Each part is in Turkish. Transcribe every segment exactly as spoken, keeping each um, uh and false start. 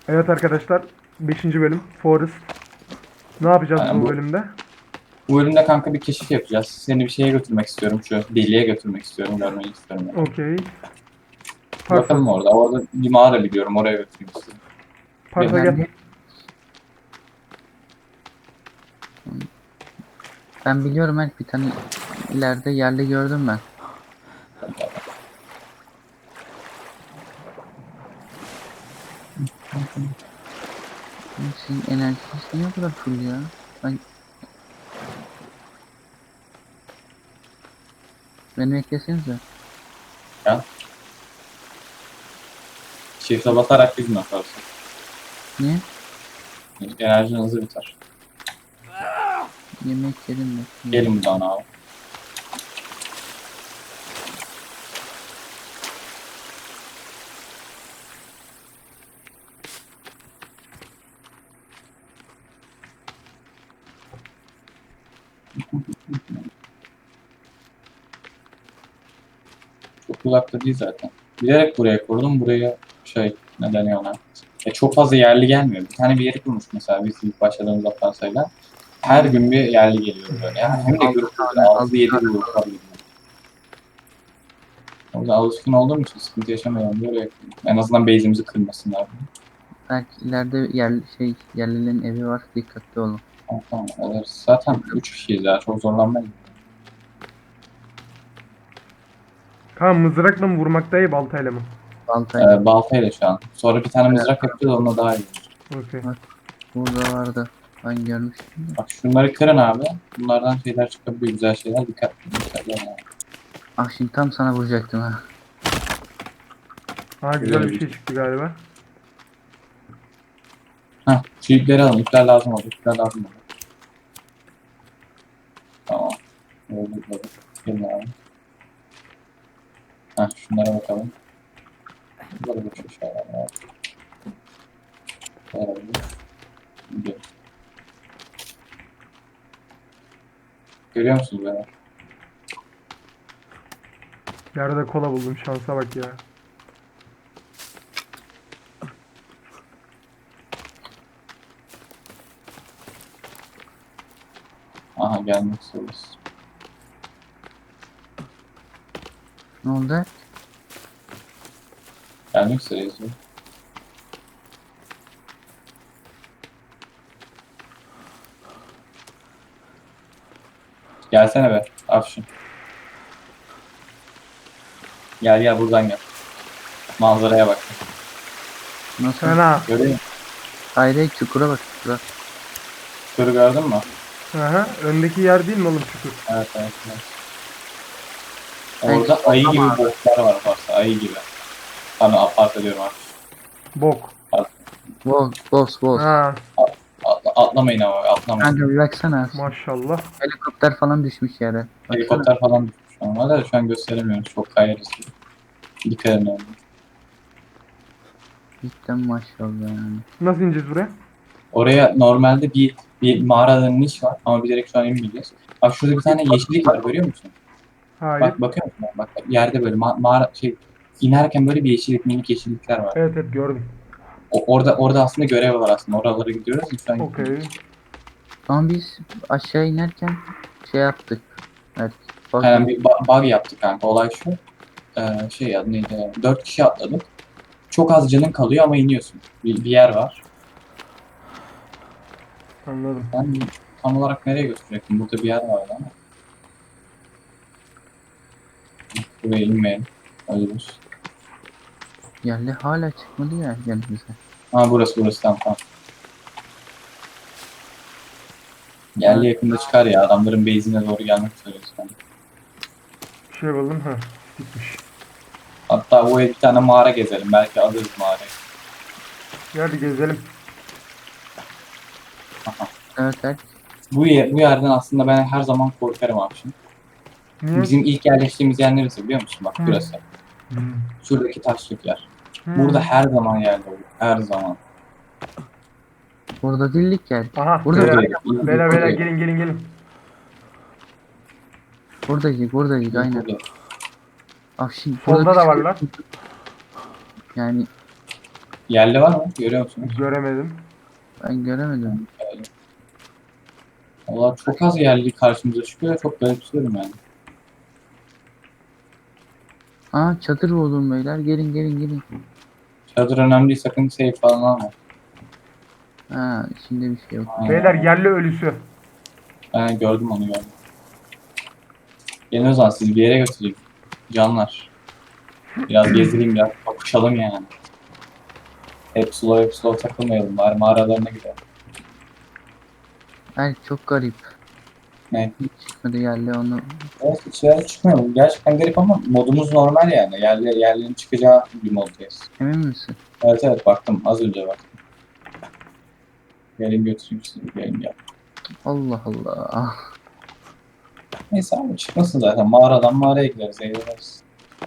Evet arkadaşlar, beşinci bölüm Forest. Ne yapacağız Aynen bu bu, bölümde? bu bölümde kanka bir keşif yapacağız. Seni bir şeye götürmek istiyorum. Şu deliğe götürmek istiyorum. Görmeyi istiyorum yani. Okey. Parsa. Bakalım orada. Orada bir mağara biliyorum. Oraya götürmek istiyorum. Ve Parsa gel. Nerede? Ben biliyorum, evet, bir tane ileride yerli gördüm ben. Oğlum, sizin enerjiniz niye bu kadar full ya? Ben... Beni beklesenize. ya. Shift'e basarak biz mi yaparsın? Niye? Enerjin hızlı biter. Yemek yedim de. Gelin buradan abi. Çok uzakta değil zaten. Bilerek buraya kurdum. Buraya şey ne deniyor ona? E, çok fazla yerli gelmiyor. Bir tane bir yeri kurmuş mesela biz ilk başladığımızda Fransa'yla. Her gün bir yerli geliyor böyle. Yani hem de Altı grupta tane, altı altı yedi tane. gruplar geliyor. O yüzden alışkın olduğum için sıkıntı yaşamıyorum. Böyle yapıyorum. En azından base'imizi kırmasınlar. Belki ileride yer, şey, yerlilerin evi var. Dikkatli olun. Tamam, tamam, alırız. Zaten üç kişiyiz ya. Çok zorlanmayız. Tamam, mızrakla mı vurmak daha iyi, baltayla mı? Baltayla. Ee, baltayla şu an. Sonra bir tane mızrak yapacağız. Onunla daha iyi olur. Okey. Bak, burada vardı. Ben görmüştüm de. Bak şunları kırın abi. Bunlardan şeyler çıkabiliyor. Güzel şeyler. Dikkat, dikkatli olun. Ah, şimdi tam sana vuracaktım ha. Ha, güzel bir şey çıktı galiba. Heh, şu ipleri alın. İpler lazım olur. İpler lazım olur. Tamam. Böyle böyle. Gelin abi. Heh, şunlara bakalım. Böyle bir şey şeyler var. Böyle. Gidiyor. Görüyor musunuz beni? Yerde kola buldum, şansa bak ya. Aha gelmek istiyoruz. Ne oldu? Gelmek üzereyiz. ya. Gelsene be. Afşin. Gel gel buradan gel. Manzaraya bak. Nasıl? Fena. Görüyor musun? Hayır, hayır, çukura bak, çukura. Şurayı gördün mü? Aha, öndeki yer değil mi oğlum çukur? Evet evet. evet. Hey, Orada ayı gibi ama- botlar var varsa. Ayı gibi. Sana apart ediyorum abi. Bok. Boss, boss, boss. Ha, Atla, atlamayın ama atlamayın. Kanka bir baksana. maşallah. Helikopter falan düşmüş yere. Baksana. Helikopter falan düşmüş ama da şu an gösteremiyoruz. Çok kayarız. Dikkat edin abi. Cidden maşallah yani. Nasıl ineceğiz buraya? Oraya normalde bir bir mağaradan niş var ama bilerek şu an inmeyeceğiz. Bak şurada bir tane yeşillik var görüyor musun? Hayır. Bak bakıyor musun? Bak yerde böyle ma mağara şey inerken böyle bir yeşillik minik yeşillikler var. Evet evet, gördüm. O, orada orada aslında görev var aslında. Oralara gidiyoruz. Şu an Okey. Ama biz aşağı inerken şey yaptık. Evet. Bak, Aynen bir ba- bug yaptık kanka. Olay şu. Ee, şey adı neydi? Dört kişi atladık. Çok az canın kalıyor ama iniyorsun. Bir, bir yer var. Anladım. Ben tam olarak nereye götürecektim? Burada bir yer vardı ama. Buraya inmeyelim. Ölürüz. yerli hala çıkmadı ya yanımıza. Ha burası burası tamam tamam. Yerli yakında çıkar ya. Adamların base'ine doğru gelmek üzereyiz. Yani. Bir şey buldum. Ha, gitmiş. Hatta o bir tane mağara gezelim. Belki alırız mağarayı. Hadi gezelim. Aha. Evet, evet. Bu, yer, bu yerden aslında ben her zaman korkarım abi şimdi. Niye? Bizim ilk yerleştiğimiz yer neresi biliyor musun? Bak Hı. burası. Hmm. Şuradaki taşlık yer. Hmm. Burada her zaman yerde olur. Her zaman. Burada değildik ya. Aha, Burada beyler, Buradaydı. İlk- beyler, ilk beyler, buradaydı. gelin gelin gelin. buradaydık, buradaydık İlk aynen. buradaydı. Ah şimdi Solda burada da bir- varlar. Yani Yerli var mı? Görüyor musunuz? Göremedim. Ben göremedim. Valla çok az yerli karşımıza çıkıyor. Çok garipsiyorum yani. Aa çadır buldum beyler. Gelin gelin gelin. Çadır önemli değil. Sakın safe falan alma. Ha içinde bir şey yok. Aynen. Beyler yerli ölüsü. Ben gördüm onu gördüm. Gelin o zaman sizi bir yere götüreyim. Canlar. Biraz gezdireyim, biraz bakışalım yani. Hep slow hep slow takılmayalım. Bari mağaralarına gidelim. Ay çok garip. Ne? Hiç çıkmadı yerli onu. Evet, hiç yer çıkmıyor. Gerçekten garip ama modumuz normal yani. Yerli, yerlerin çıkacağı bir moddayız. Emin misin? Evet evet baktım. Az önce baktım. Gelin götüreyim sizi. Gelin gel. Allah Allah. Neyse abi çıkmasın zaten. Mağaradan mağaraya gideriz. Eğleniriz.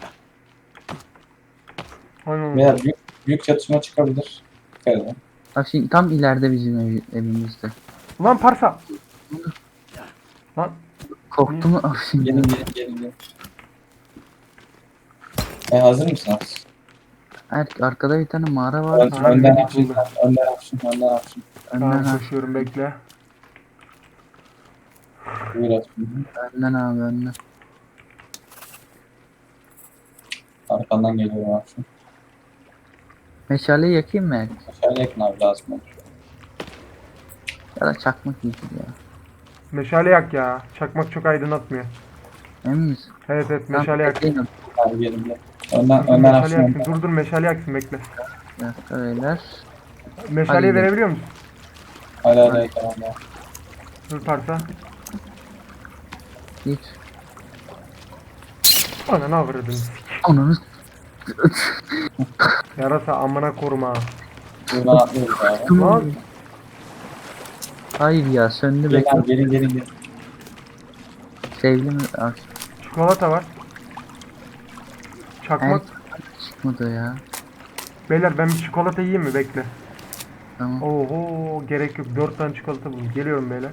Aynen. Veya büyük, büyük çatışma çıkabilir. Dikkat edin. Bak şimdi tam ileride bizim ev, evimizde. Ulan parsa. Lan Korktu mu? Ah şimdi. Gelin gelin gelin. gelin. E, hazır mısınız? Er, arkada bir tane mağara var. Ön, Aha, önden bizi hapşın, buldu. önden hapşın, önden hapşın. tamam Önden abi. koşuyorum bekle. Buyur hapşın. Önden abi önden. Arkandan geliyorum hapşın. Meşaleyi yakayım mı? Aşağıya yakın abi lazım olur. Ya da çakmak iyidir ya. Meşale yak ya. Çakmak çok aydınlatmıyor. Emin misin? Evet evet Tamam, meşale yak. bekleyin. Abi gelin gel. Önden, Dur, dur, önden meşale hapşın. yaksın. önden. Dur dur meşale yaksın bekle. Bir dakika beyler. Meşaleyi Hadi. verebiliyor musun? Hala hala tamam ya. Dur parsa. Git. Ana ne avradın? Ananı. Yarasa amına koruma. Buradan atlıyoruz abi. Lan Hayır ya söndü Gelin bekle. abi gelin gelin gelin. Sevgili mi? Ah, çikolata var. Çakmak. çıkmadı ya. Beyler ben bir çikolata yiyeyim mi? Bekle. Tamam. Oho gerek yok. Dört tane çikolata buldum. Geliyorum beyler.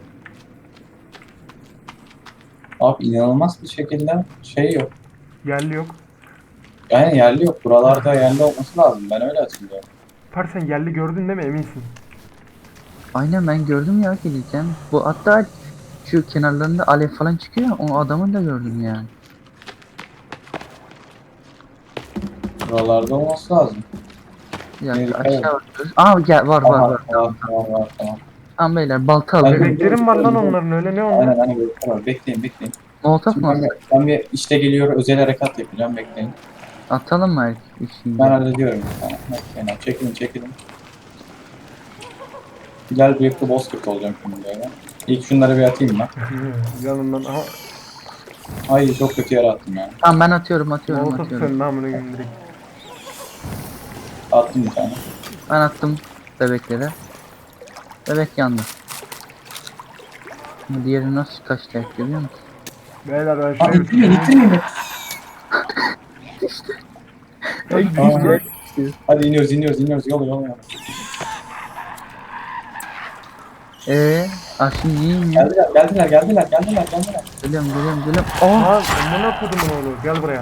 Abi inanılmaz bir şekilde şey yok. Yerli yok. Yani yerli yok. Buralarda yerli olması lazım. Ben öyle hatırlıyorum. Par sen yerli gördün değil mi? Eminsin. Aynen ben gördüm ya gelirken. Bu hatta şu kenarlarında alev falan çıkıyor. O adamı da gördüm yani. Buralarda olması lazım. Bir dakika Evet, aşağı evet. bakıyoruz. Aa gel var var var. Var var var tamam. Tamam beyler balta Hadi. alıyorum. Bebeklerim var lan onların öyle ne onlar? Aynen aynen böyle var. Bekleyin bekleyin. Molotof Şimdi mu ben, atsak? ben bir işte geliyor özel harekat yapacağım bekleyin. Atalım mı erkek işini? Ben hallediyorum bir tane. Bekleyin abi çekilin çekilin. Bilal bıyıklı bozkurt olacağım şimdi böyle. İlk şunları bir atayım ben. Yanından aha. Ay çok kötü yere attım ya. Tamam ben atıyorum atıyorum Molotof atıyorum. senin namını gönderdik. Attım bir tane. Ben attım bebeklere. Bebek yandı. Ama diğeri nasıl kaçtı görüyor musun? Beyler ben Aa şuraya bir ittirmeyin ittirmeyin. Aa, hadi iniyoruz iniyoruz iniyoruz yol yol yol. Eee aşkım niye iniyor? Geldiler geldiler geldiler geldiler geldiler. Geliyorum geliyorum geliyorum. Oh! Aa amına kodumun oğlu gel buraya.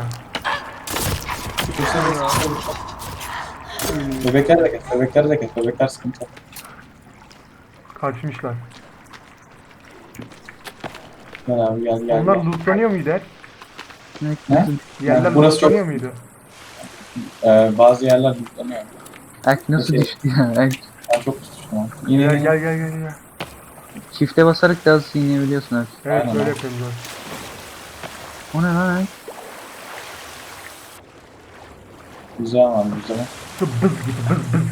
Bebekler de kes bebekler de kes bebekler sıkıntı. Kaçmışlar. Gel abi gel gel. Onlar gel. lootlanıyor muydu her? Ne? Ne? Yerler Yani burası çok- lootlanıyor muydu? Ee, bazı yerler yüklanıyor. Erk nasıl Peki. düştü ya? Erk Ben çok düştüm ama. Yine Gel yine. gel gel gel gel. çifte basarak daha hızlı inebiliyorsun Erk. Evet Aynen böyle abi. yapıyorum zaten. O ne lan Erk? Güzel var güzel. Şu bız gibi bız bız.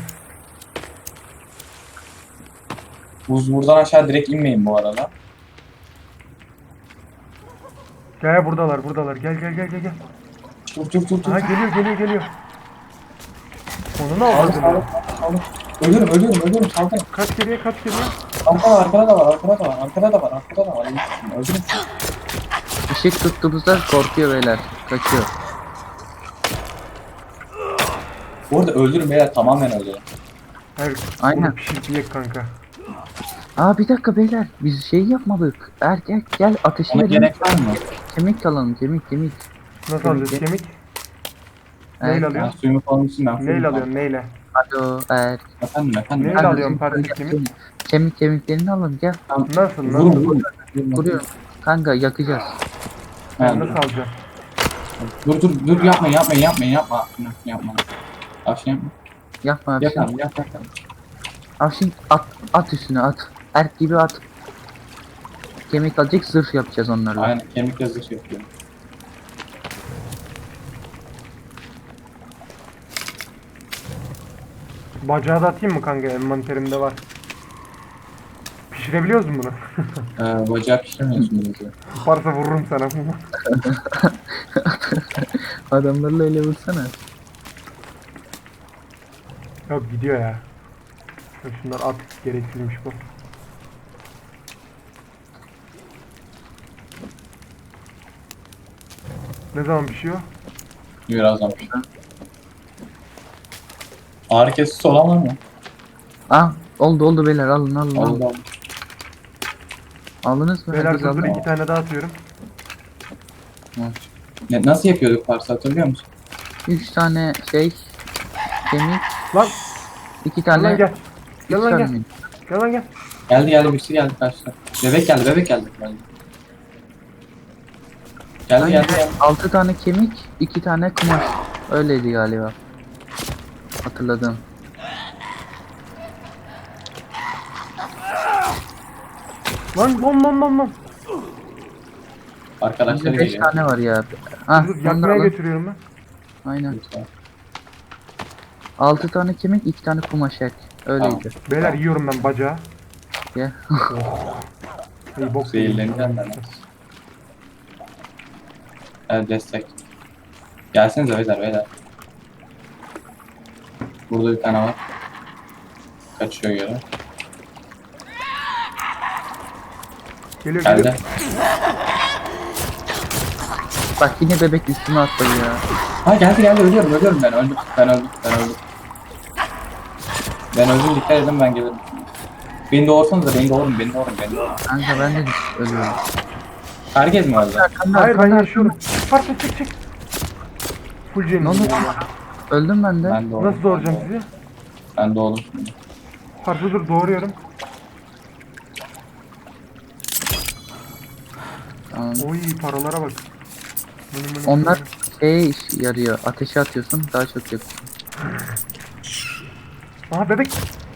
Buz buradan aşağı direkt inmeyin bu arada. Gel buradalar buradalar gel gel gel gel gel. Dur dur dur dur. Aha geliyor geliyor geliyor. Onu ne Sağlık avradın sağlık ya? sağlık. Ölürüm ölürüm ölürüm saldırın. Kaç geriye kaç geriye. Arkada arkada da var arkada da var arkada da var arkada da var. Öldürün. Işık tuttuğumuzda korkuyor beyler. Kaçıyor. Bu arada öldürün beyler tamamen öldürün. Her Aynen. onu pişirip yiyek kanka. Aa bir dakika beyler. Biz şey yapmadık. Erk Erk gel ateşi Ona verelim. gerek var mı? Kemik alalım kemik kemik. Nasıl Kemik alacağız ye- kemik? Evet. Neyle Ben alıyorsun? suyumu falan içsin ben. Neyle alıyorsun neyle? Alo er. Efendim efendim. Neyle Kanka, alıyorum şimdi parça kemik- kemik? Kemik kemiklerini alın gel. Tamam. Nasıl Vurun nasıl? vurun. Vuruyorum. Kanka yakacağız. Ben Ha, nasıl alacağım? dur dur dur yapmayın yapmayın yapmayın yapma. Yapma. Afşin yapma. Yapma Yap Afşin. abi yap yap. yap. Afşin at, at üstüne at. Erk gibi at. Kemik alacak zırh yapacağız onlarla. Aynen kemik yazışı yapıyorum. Bacağı da atayım mı kanka? Envanterimde var. Pişirebiliyoruz mu bunu? Ee, bacağı pişirmiyorsun bizi. Varsa vururum sana. Adamlarla öyle vursana. Yok gidiyor ya. Şunlar at gereksizmiş bu. Ne zaman pişiyor? Birazdan pişir. Ağrı kesici olan var mı? Ah oldu oldu beyler alın alın alın. Allah. Aldınız mı? Beyler Herkes dur aldı dur mı? iki tane daha atıyorum. Ne, nasıl yapıyorduk parça hatırlıyor musun? Üç tane şey kemik, Lan iki gel lan tane gel. üç Gel lan tane gel. mi? Gel lan gel. Geldi geldi birisi geldi karşıda. Bebek geldi bebek geldi. Geldi geldi Aynen. geldi. geldi. Altı tane kemik, iki tane kumaş. Öyleydi galiba. Hatırladım. Lan lan lan lan lan. Arkadaşları Bizde beş geliyor. tane var ya. Ah, Dur onları yakmaya alın. götürüyorum ben. Aynen. Altı tane kemik, iki tane kumaş ek. Öyleydi. Beyler yiyorum ben bacağı. Gel. Oh. İyi bok Zehirleneceğim ben. Evet destek. Gelsenize beyler beyler. Burada bir tane var. Kaçıyor yere. Geliyor Geldi. geliyor. Bak yine bebek üstüme atladı ya. Ha geldi geldi ölüyorum ölüyorum ben öldüm. Ben öldüm ben öldüm. Ben öldüm dikkat edin ben gelirim. Beni doğursanız da beni doğurun beni doğurun beni doğurun. Kanka ben de ölüyorum. Herkes mi öldü? Kanka, Hayır ben kanka, yaşıyorum. Parça çek çek. Full Ne oldu? cenin. Öldüm ben de. Ben doğdum. Nasıl doğuracağım sizi? Ben doğdum şimdi. Parça dur doğuruyorum. Tamam. Oy paralara bak. Mını mını Onlar mını. şeye iş yarıyor. Ateşe atıyorsun daha çok yakıyor. Aha bebek.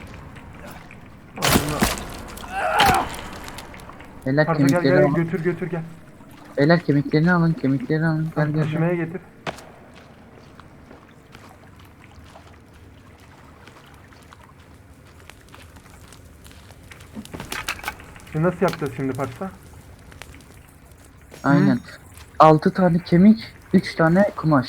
Beyler Parça gel kemikleri gel alın. götür götür gel. Beyler kemiklerini alın. Kemiklerini alın. Gel gel. gel. Taşımaya getir. Şimdi nasıl yapacağız şimdi parça? Aynen. Altı tane kemik, üç tane kumaş.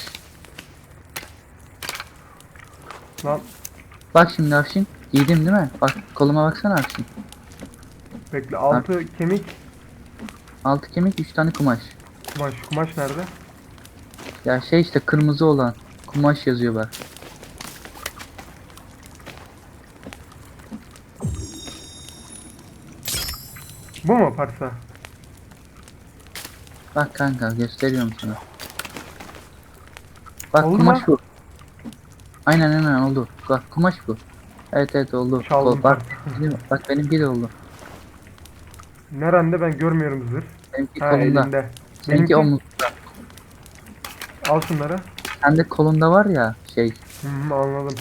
Lan Bak şimdi Afşin. Giydim değil mi? Bak koluma baksana Afşin. bekle altı kemik Altı kemik, üç tane kumaş. kumaş. Kumaş nerede? Ya şey işte kırmızı olan. Kumaş yazıyor bak. Bu mu parça? Bak kanka gösteriyorum sana. Bak Oldu kumaş mu? bu. Aynen aynen oldu. Bak kumaş bu. Evet evet oldu. Çaldım Kol- bak, benim, bak benimki de oldu. Nerede ben görmüyorum zırh. Benimki Ha kolunda. elinde. Seninki Benimki omuzda. al şunları. Sende kolunda var ya şey. Hı hı anladım.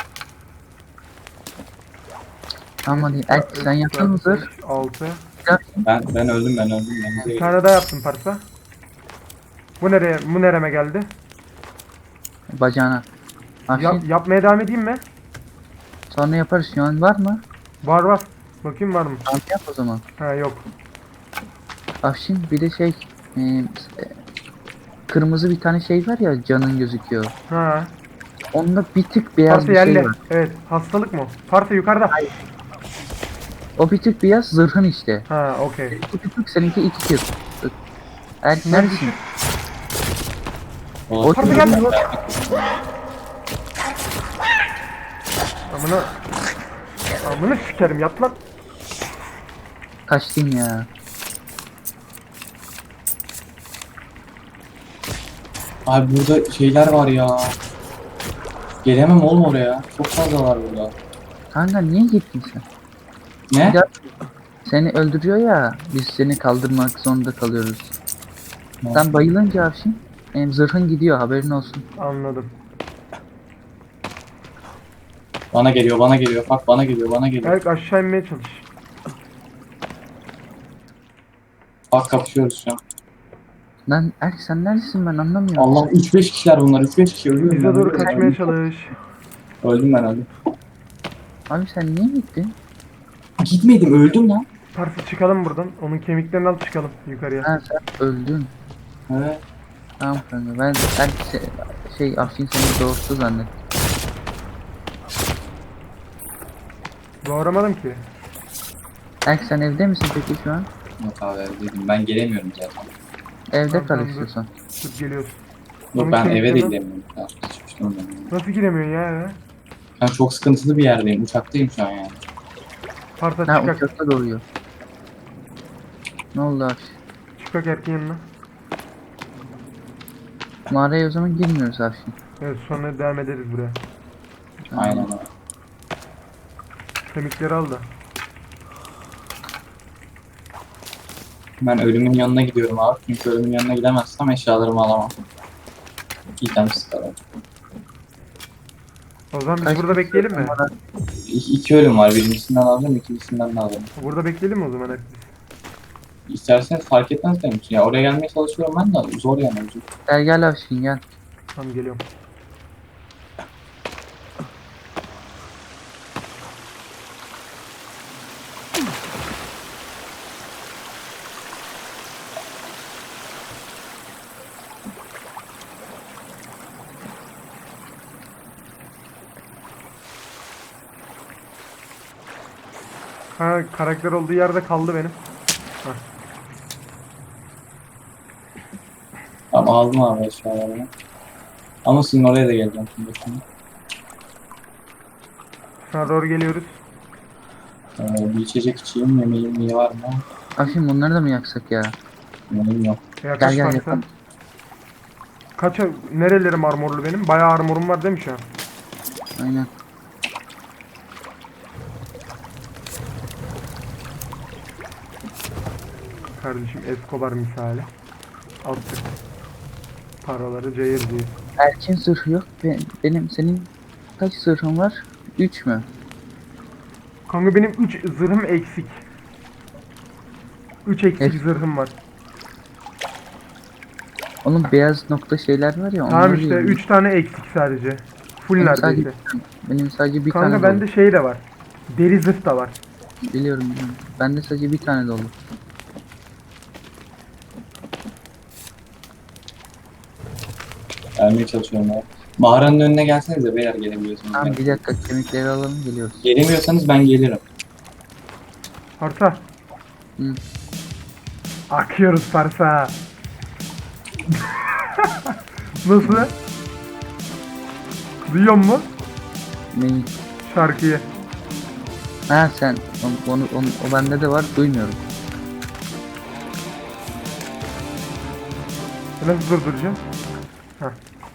Tamam hadi. Erk sen yaptın mı zırh? altı. Ben ben öldüm ben öldüm. Ben Bir tane daha yaptım parça. Bu nereye? Bu nereme geldi? Bacağına. Afşin Yap, yapmaya devam edeyim mi? sonra yaparız. Şu an var mı? Var var. Bakayım var mı? Tamam yap o zaman. Ha yok. Afşin bir de şey. E, e, kırmızı bir tane şey var ya canın gözüküyor. Ha. Onda bir tık beyaz Parça bir şey yerli. var. Evet. Hastalık mı? Parça yukarıda. O bir tık beyaz zırhın işte. Ha okey. İki tık seninki iki tık. Erk Bunlar neredesin? düşük. O Parça geldi. Amına. Amına sikerim yat lan. Kaçtın ya. Abi burada şeyler var ya. Gelemem oğlum oraya. Çok fazla var burada. Kanka niye gittin sen? Ne? Ya- Seni öldürüyor ya. Biz seni kaldırmak zorunda kalıyoruz. Ne? Sen bayılınca Afşin em, zırhın gidiyor haberin olsun. Anladım. Bana geliyor, bana geliyor. Bak bana geliyor, bana geliyor. Berk aşağı inmeye çalış. Bak kapışıyoruz şu an. Lan Erk sen neredesin ben anlamıyorum. Allah üç beş kişiler bunlar. üç beş kişi ölüyorum. Bize ben, doğru ölüyorum, kaçmaya öldüm. çalış. Öldüm ben öldüm. Abi sen niye gittin? Gitmedim öldüm lan. Parsı çıkalım buradan. Onun kemiklerini al çıkalım yukarıya. Ha sen öldün. Evet. Tamam kanka ben Erk se- şey Afşin seni doğurttu zannettim. Doğramadım ki. Erk sen evde misin peki şu an? Yok abi dedim. Ben gelemiyorum zaten. Evde Tamam, kal tamam, dur. istiyorsan. Dur geliyoruz. Yok Onun ben eve de kemiklerini al. gidemiyorum. Ya, sıçmıştım ben. Nasıl giremiyorsun ya eve? Ben çok sıkıntılı bir yerdeyim. Uçaktayım şu an yani. Parsa Ha çıkak. uçakta doğuyor. Ne oldu Afşin? Çıkak erkeğin yanına. Mağaraya o zaman girmiyoruz Afşin. Evet sonra devam ederiz buraya. Aynen öyle. Kemikleri al da. Ben ölümün yanına gidiyorum abi. Çünkü ölümün yanına gidemezsem eşyalarımı alamam. İtem sıkarım. O zaman biz Kaç burada kişi bekleyelim mi? numara- İki, iki ölüm var. Birincisinden alacağım, ikincisinden de alırım. Burada bekleyelim mi o zaman hep biz? İsterseniz fark etmez benim için. Ya oraya gelmeye çalışıyorum ben de zor yani. Zor. Gel gel Afşin gel. Tamam geliyorum. Ha karakter olduğu yerde kaldı benim. Tamam aldım abi eşyalarımı. Ama sizin oraya da geleceğim şimdi. şimdi. Sana doğru geliyoruz. Ee, bir içecek içeyim. Yemeğim iyi var mı? Afşin bunları da mı yaksak ya? Yemeğim yok. Yaklaş Gel gel Parsa. yapalım. Kaç nerelerim armorlu benim? Bayağı armorum var değil mi şu an? Aynen. Kardeşim Escobar misali. Attık. Paraları cayır diye. Erkin zırhı yok. Be- benim senin kaç zırhın var? üç mü? Kanka benim üç zırhım eksik. üç eksik Evet. zırhım var. Onun beyaz nokta şeyler var ya. Tamam onları işte yiyorum. üç tane eksik sadece. Full Benim sadece, neredeyse. benim sadece bir Kanka tane bende dolu. şey de var. Deri zırh da var. Biliyorum biliyorum. Bende sadece bir tane dolu. Gelmeye çalışıyorum abi. Mağaranın önüne gelsenize beyler gelebiliyorsunuz. Tamam Yani. bir dakika kemikleri alalım geliyoruz. Gelemiyorsanız ben gelirim. Parsa. Hı. Akıyoruz Parsa. Nasıl? Duyuyor musun Neyi? şarkıyı? Ha sen onu, onu, onu- o bende de var duymuyorum. Nasıl durduracağım? Heh.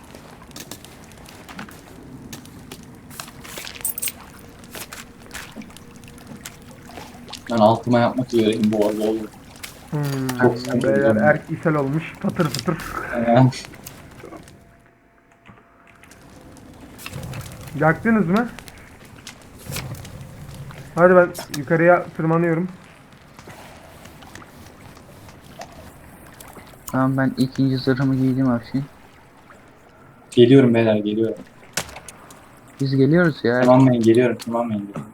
Ben altıma yapmak üzereyim bu arada olur. Hmm, Çok sıkıntı beyler oldu. erk ishal olmuş. Patır patır. Yani, Yaktınız mı? Hadi ben yukarıya tırmanıyorum. Tamam ben ikinci zırhımı giydim Afşin. geliyorum beyler geliyorum. Biz geliyoruz ya. Tırmanmayın geliyorum tırmanmayın. Geliyorum.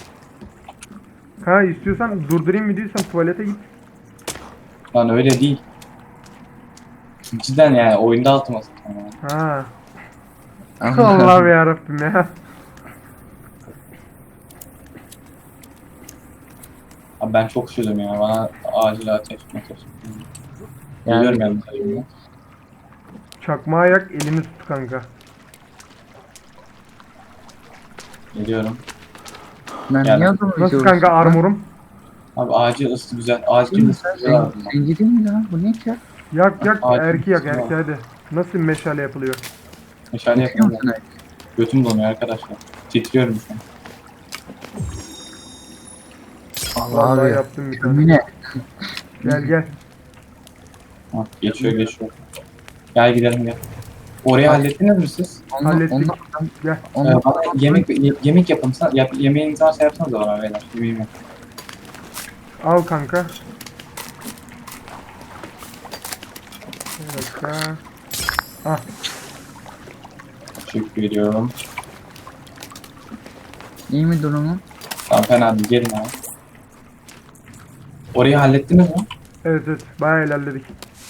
Ha istiyorsan durdurayım mı diyorsan tuvalete git. Lan öyle değil. Cidden yani oyunda altıma sıktım yani. Ha. Allah. Allah'ım yarabbim ya. Abi ben çok üşüdüm ya. Bana acil ateş ateş. Geliyorum yani sayımda. Çakmağı yak elini tut kanka. Geliyorum. Ben Yani- niye adamı Nasıl izliyoruz kanka lan? armorum? Abi acil ısı güzel. Acil Değil mi? ısı Sen güzel. zenci, lazım. zenci değil mi lan? Bu ne ki? Yak yak Acil erki yak ısınma. erki hadi. Nasıl meşale yapılıyor? Meşale Yapıyor yapıyorum. musun? Götüm donuyor arkadaşlar. Titriyorum şu an. Allah Vallahi abi. yaptım bir tane. Kömüne. Gel gel. Ha, geçiyor geçiyor. Gel gidelim gel. Orayı Hadi. hallettiniz mi siz? Onunla, Hallettik. onunla, Gel. Ee, onunla, bana yemek ye- yemek yapın. Sen- Yap, yemeğinizi varsa yapsanız bana beyler. Yemeğim yok. Al kanka. Bir dakika. Ah. Teşekkür ediyorum. iyi mi durumun? Tamam fena değil. Gelin abi. Orayı hallettiniz mi? Evet evet. Bayağı ilerledik.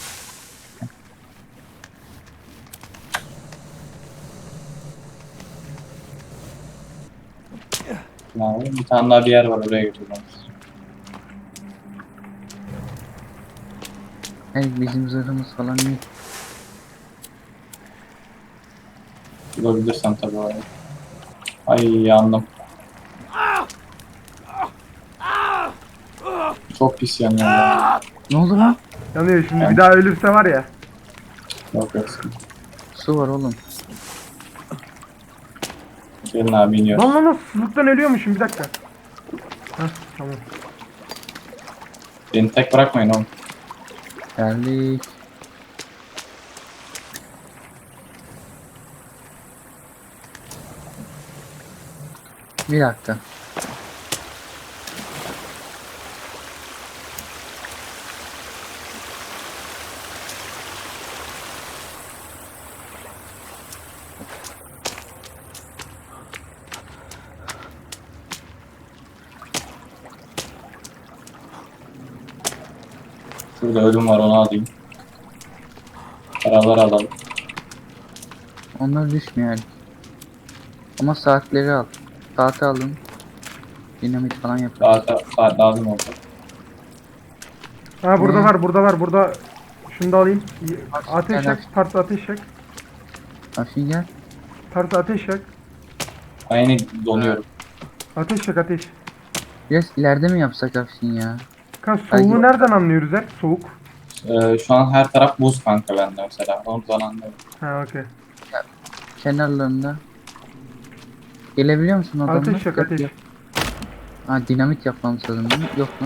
Abi, bir tane daha bir yer var oraya götüreceğim. Evet bizim zırhımız falan iyi. Bulabilirsen tabii orayı. Ay yandım. Çok pis yanıyor ya. Ne oldu lan? Yanıyor şimdi. Yani- Bir daha ölürse var ya. Yok yok. Su var oğlum. Gelin abi iniyor. Lan lan lan. Susuzluktan ölüyormuşum. Bir dakika. Heh tamam. Beni tek bırakmayın oğlum. Geldik. Bir dakika. Şurada ölüm var onu alayım. Paralar alalım. Onlar düşmüyor. Ama saatleri al. Saati alın. Dinamit falan yapın. Saat, saat lazım oldu. Ha burada Ne? var. Burada var. Burada. Şunu da alayım. Aç, Ateş gel, yak. Tartı ateş yak. Afin gel. Tartı ateş yak. Aynı donuyorum. Ateş yak ateş. Biraz ileride mi yapsak Afin ya? Kanka Ay, soğuğu yok. nereden anlıyoruz hep? Soğuk. Ee, şu an her taraf buz kanka bende mesela. Onu zaman anlıyorum. Ha okey. Kenarlarında. Gelebiliyor musun adamlar? Ateş yak ateş. Ha dinamit yapmamız lazım değil mi? Yok lan.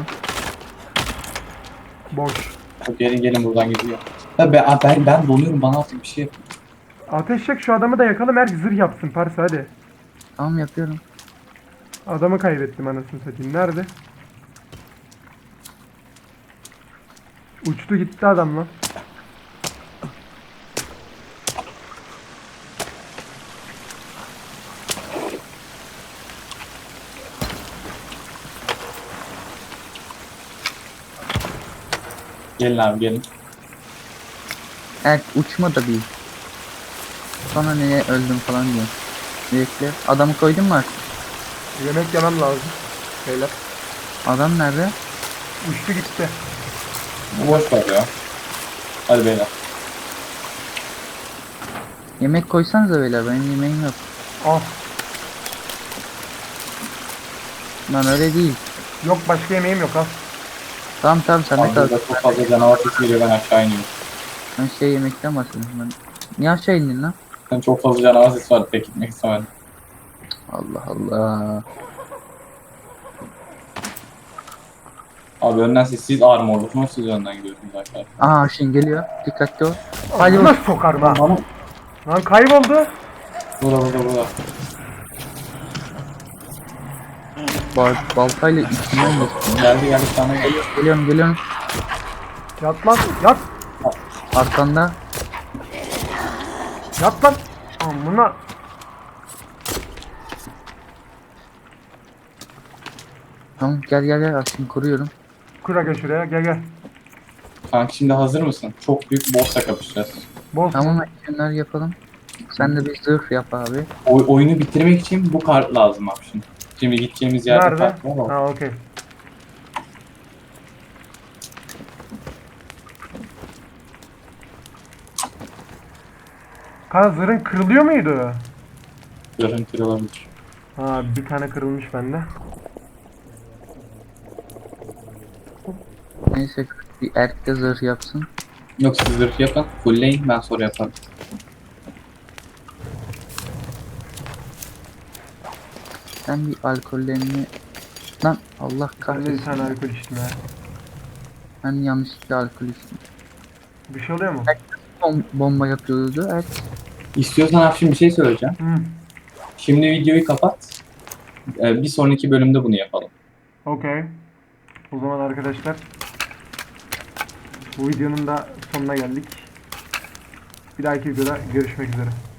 Boş. Çok gelin gelin buradan gidiyor. Ya ben, ben, ben donuyorum bana artık bir şey yap. Ateş yak şu adamı da yakalım. Her zırh yapsın Parsa hadi. Tamam yapıyorum. Adamı kaybettim anasını satayım. Nerede? Uçtu gitti adam lan. Gelin abi gelin. Evet uçma da değil. Sonra neye öldüm falan diyor. Bekle. Adamı koydun mu artık? Yemek yemem lazım. Beyler. Adam nerede? Uçtu gitti. Bu boş ver ya. Hadi beyler. Yemek koysanıza beyler benim yemeğim yok. Al. Lan öyle değil. Yok başka yemeğim yok al. Tamam tamam sen de Abi kal. burada çok fazla canavar sesi geliyor ben aşağı iniyorum. Ben şey yemekten bahsediyorum ben. Niye aşağı indin lan? Ben çok fazla canavar sesi var pek gitmek istemedim. Allah Allah. Abi önden siz, siz armorlusunuz siz önden gidiyorsunuz arkadaşlar. Aha şimdi geliyor. Dikkatli ol. Hadi Nasıl sokarım ha? Bana Lan kayboldu. burada burada burada. Bal baltayla içinden geçtim. Geldi geldi sana geldi. Geliyorum geliyorum. Yat lan yat. Arkanda. Yat lan. Amına. Tamam gel gel gel aslında kuruyorum. Kur aga şuraya gel gel. Kanka şimdi hazır mısın? Çok büyük boss'la kapışacağız. Boz. Tamam action'lar yapalım. Sen de bir zırh yap abi. O, oyunu bitirmek için bu kart lazım abi şimdi. Şimdi gideceğimiz yerde Nerede? kart var ama. Ha okey. Kanka zırhın kırılıyor muydu? Zırhın kırılabilir. Ha bir tane kırılmış bende. Neyse bir erk de zırh yapsın. Yok siz zırh yapın. Fullleyin ben sonra yaparım. Ben bir alkollerini... Lan Allah Ben de bir kahretsin. tane alkol içtim ya. Ben yanlışlıkla alkol içtim. Bir şey oluyor mu? Bom bomba yapıyordu. Evet. İstiyorsan Afşin bir şey söyleyeceğim. Hı. Şimdi videoyu kapat. Ee, bir sonraki bölümde bunu yapalım. Okey. O zaman arkadaşlar bu videonun da sonuna geldik. Bir dahaki videoda görüşmek üzere.